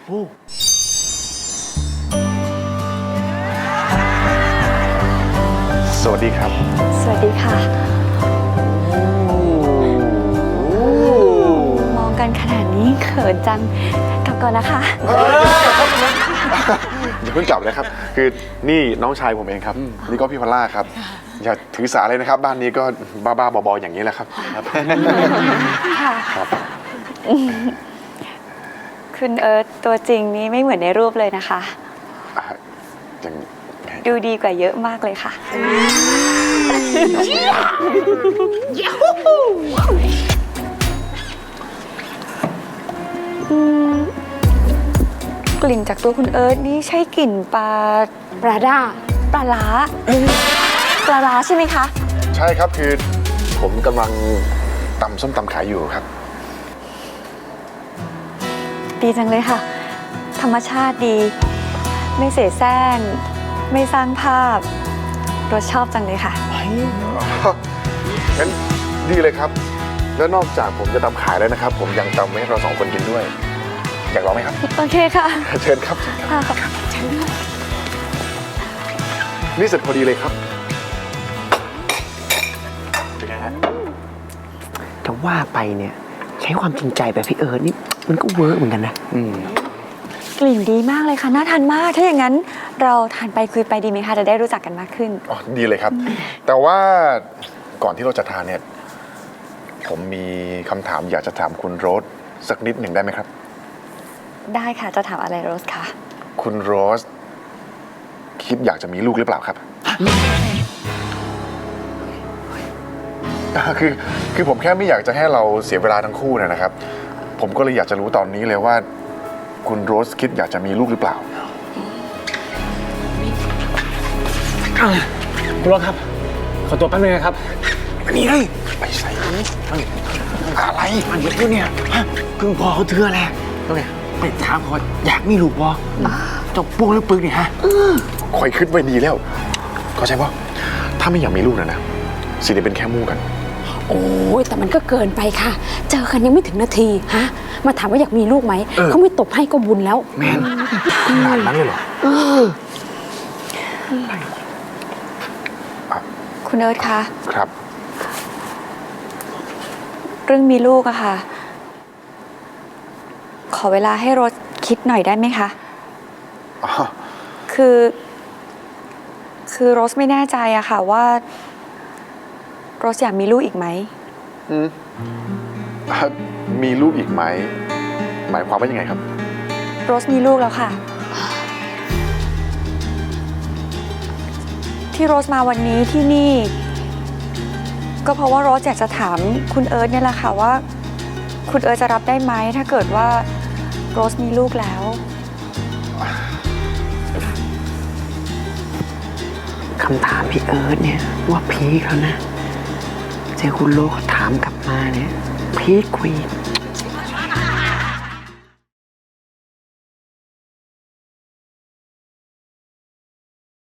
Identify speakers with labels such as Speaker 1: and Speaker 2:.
Speaker 1: โอ้สวัสดีครับ
Speaker 2: สวัสดีค่ะมองกันขนาดนี้เขินจังกลับก่อนนะคะ
Speaker 1: อย่าเพิ่งกลับเลยครับคือนี่น้องชายผมเองครับนี่ก็พี่พอลล่าครับอย่าถือสาเลยนะครับบ้านนี้ก็บ้าๆบอๆอย่างนี้แหละครับ
Speaker 2: ค่ะ
Speaker 1: ครับ
Speaker 2: คุณเอิร์ธตัวจริงนี้ไม่เหมือนในรูปเลยนะคะ
Speaker 1: อย่าง
Speaker 2: ดูดีกว่าเยอะมากเลยค่ะกลิ่นจากตัวคุณเอิร์ธนี่ใช่กลิ่นปลาร้าปลาร้าใช่ไหมคะ
Speaker 1: ใช่ครับคือผมกำลังตำส้มตำขายอยู่ครับ
Speaker 2: ดีจังเลยค่ะ ธรรมชาติดี ไม่เสแสร้งไม่สร้างภาพรสชอบจังเลยค่ะ
Speaker 1: งั้นดีเลยครับ แล้วนอกจากผมจะตำขายแล้วนะครับ ผมยังตำให้เราสองคนกินด้วย อยากลองไหมครับ
Speaker 2: โอเคค่ะ
Speaker 1: เชิญครับ
Speaker 2: ค่ะ
Speaker 1: นี่เสร็จพอดีเลยครับเป็นไงฮะ
Speaker 3: จะว่าไปเนี่ยใช้ความจริงใจแบบพี่เอิร์ธนี่มันก็เวิร์กเหมือนกันนะ
Speaker 2: กลิ่นดีมากเลยค่ะน่าทานมากถ้าอย่างนั้นเราทานไปคุยไปดีไหมคะจะได้รู้จักกันมากขึ้น
Speaker 1: อ๋อดีเลยครับ แต่ว่าก่อนที่เราจะทานเนี่ย ผมมีคำถามอยากจะถามคุณโรสสักนิดหนึ่งได้ไหมครับ
Speaker 2: ได้ค่ะจะถามอะไรโรสคะ
Speaker 1: คุณโรสคิดอยากจะมีลูกหรือเปล่าครับ คือผมแค่ไม่อยากจะให้เราเสียเวลาทั้งคู่นะครับ ผมก็เลยอยากจะรู้ตอนนี้เลยว่า คุณโรสคิดอยากจะมีลูกหรือเปล่า
Speaker 4: คุณรถครับ ขอตัวแป๊บนึงนะครับ
Speaker 3: นี่เลย
Speaker 1: ไปใส่อะไร
Speaker 3: มันเยอะเนี่ยฮะเพิ่งพอเขาเถื่อแหละแล้วไงไปถามเขาอยากมีลูกบ่จบปุ้งหรือปึกเนี่ยฮะ
Speaker 1: คอยคิดไว้ดีแล้ว เข้าใจป่ะถ้าไม่อยากมีลูกนะสิได้เป็นแค่มู่กัน
Speaker 5: โอ้ยแต่มันก็เกินไปค่ะ เจอกันยังไม่ถึงนาทีฮะมาถามว่าอยากมีลูกไหมเขาไม่ตบให้ก็บุญแล้ว
Speaker 3: แมน
Speaker 1: ขนาดนั้นเลยเหรอ
Speaker 2: คุณเอิร์ธคะ
Speaker 1: ครับ
Speaker 2: เรื่องมีลูกอะค่ะ ขอเวลาให้โรสคิดหน่อยได้ไหมคะ
Speaker 1: อ๋อ
Speaker 2: คือโรสไม่แน่ใจอะค่ะว่าโรสอยากมีลูกอีกไหม
Speaker 1: มีลูกอีกไหม หมายความว่ายังไงครับ
Speaker 2: โรสมีลูกแล้วค่ะ ที่โรสมาวันนี้ที่นี่ ก็เพราะว่าโรสอยากจะถามคุณเอิร์ธเนี่ยแหละค่ะว่า คุณเอิร์ธจะรับได้ไหมถ้าเกิดว่าโรสมีลูกแล้ว
Speaker 3: คำถามพี่เอิร์ธเนี่ยว่าพีคแล้วนะเจอคุณโลกเขาถามกลับมาเนี่ยพีคกว่าอีก